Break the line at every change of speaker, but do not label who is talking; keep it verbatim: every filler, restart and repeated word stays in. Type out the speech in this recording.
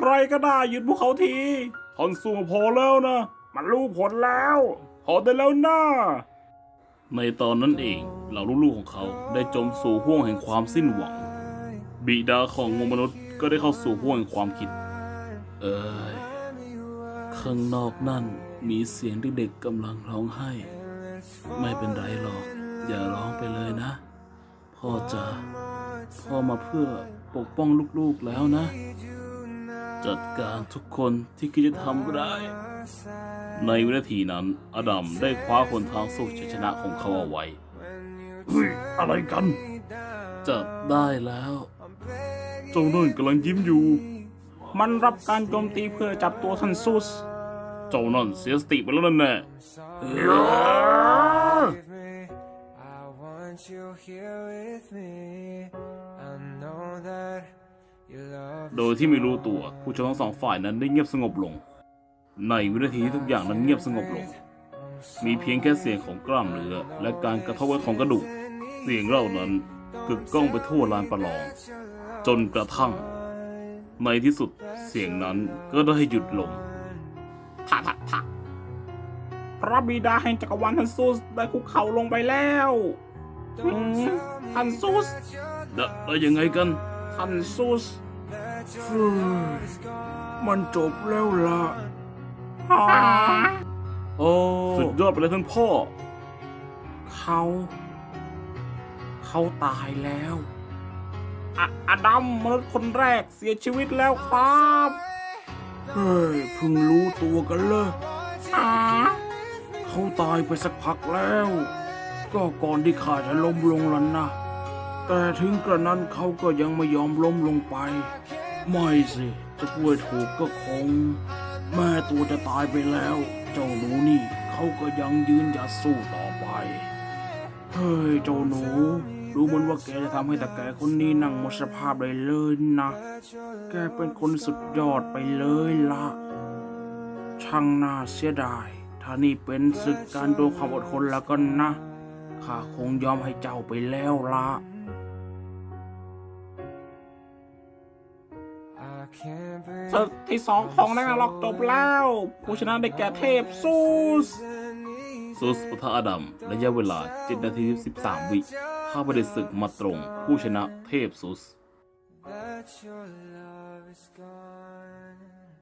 รก็ได้หยุดพวกเขาทีทอนสู้พอแล้วนะมันรู้ผลแล้วพอได้แล้วนะในตอนนั้นเองเหล่าลูกๆของเขาได้จมสู่ห้วงแห่งความสิ้นหวังบิดาของมวลมนุษย์ก็ได้เข้าสู่ห้วงแห่งความคิดเอ้ยข้างนอกนั่นมีเสียงเด็กๆกำลังร้องไห้ไม่เป็นไรหรอกอย่าร้องไปเลยนะพ่อจะพ่อมาเพื่อปกป้องลูกๆแล้วนะจัดการทุกคนที่คิดจะทำร้ายในวินาทีนั้นอดัมได้คว้าคนทางสู่ชัยชนะของเขาเอาไว้เฮ้ยอะไรกันจับได้แล้วเจ้านั่นกำลังยิ้มอยู่มันรับการโจมตีเพื่อจับตัวท่านซูสเจ้านั่นเสียสติไปแล้วนั่นแน่โดยที่ไม่รู้ตัวผู้ชมทั้งสองฝ่ายนั้นได้เงียบสงบลงในวินาทีที่ทุกอย่างนั้นเงียบสงบลงมีเพียงแค่เสียงของกล้ามเนื้อและการกระทบกันของกระดูกเสียงเหล่านั้นกึกก้องไปทั่วลานประลองจนกระทั่งในที่สุดเสียงนั้นก็ได้หยุดลงท่าท่าท่าพระบิดาแห่งจักรวาลท่านซูสได้คุกเข่าลงไปแล้วท่านซูสได้ยังไงกันท่านซูสมันจบแล้วล่ะโอ้สุดยอดไปเลยท่านพ่อเขาเขาตายแล้วอะอดัมมนุษย์คนแรกเสียชีวิตแล้วครับเฮ้ยเพิ่งรู้ตัวกันเลยเขาตายไปสักพักแล้วก็ก่อนที่ข้าจะล้มลงแล้วนะแต่ถึงกระนั้นเขาก็ยังไม่ยอมล้มลงไปไม่สิจะพูดถูกก็คงแม่ตัวจะตายไปแล้วเจ้าหนูนี่เขาก็ยังยืนหยัดสู้ต่อไปเฮ้ยเจ้าหนูดูเหมือนว่าแกจะทำให้ตาแกคนนี้นั่งหมดสภาพเลยเลยนะแกเป็นคนสุดยอดไปเลยล่ะช่างน่าเสียดายถ้านี่เป็นศึกการโดนความอดทนแล้วก็นะข้าคงยอมให้เจ้าไปแล้วล่ะศึกที่สองของนักล็อกจบแล้วผู้ชนะได้แก่เทพซูสซูสปะทะอดัมระยะเวลาเจ็ดนาทีสิบสามวิข้าพเจ้าศึกมาตรงผู้ชนะเทพซูส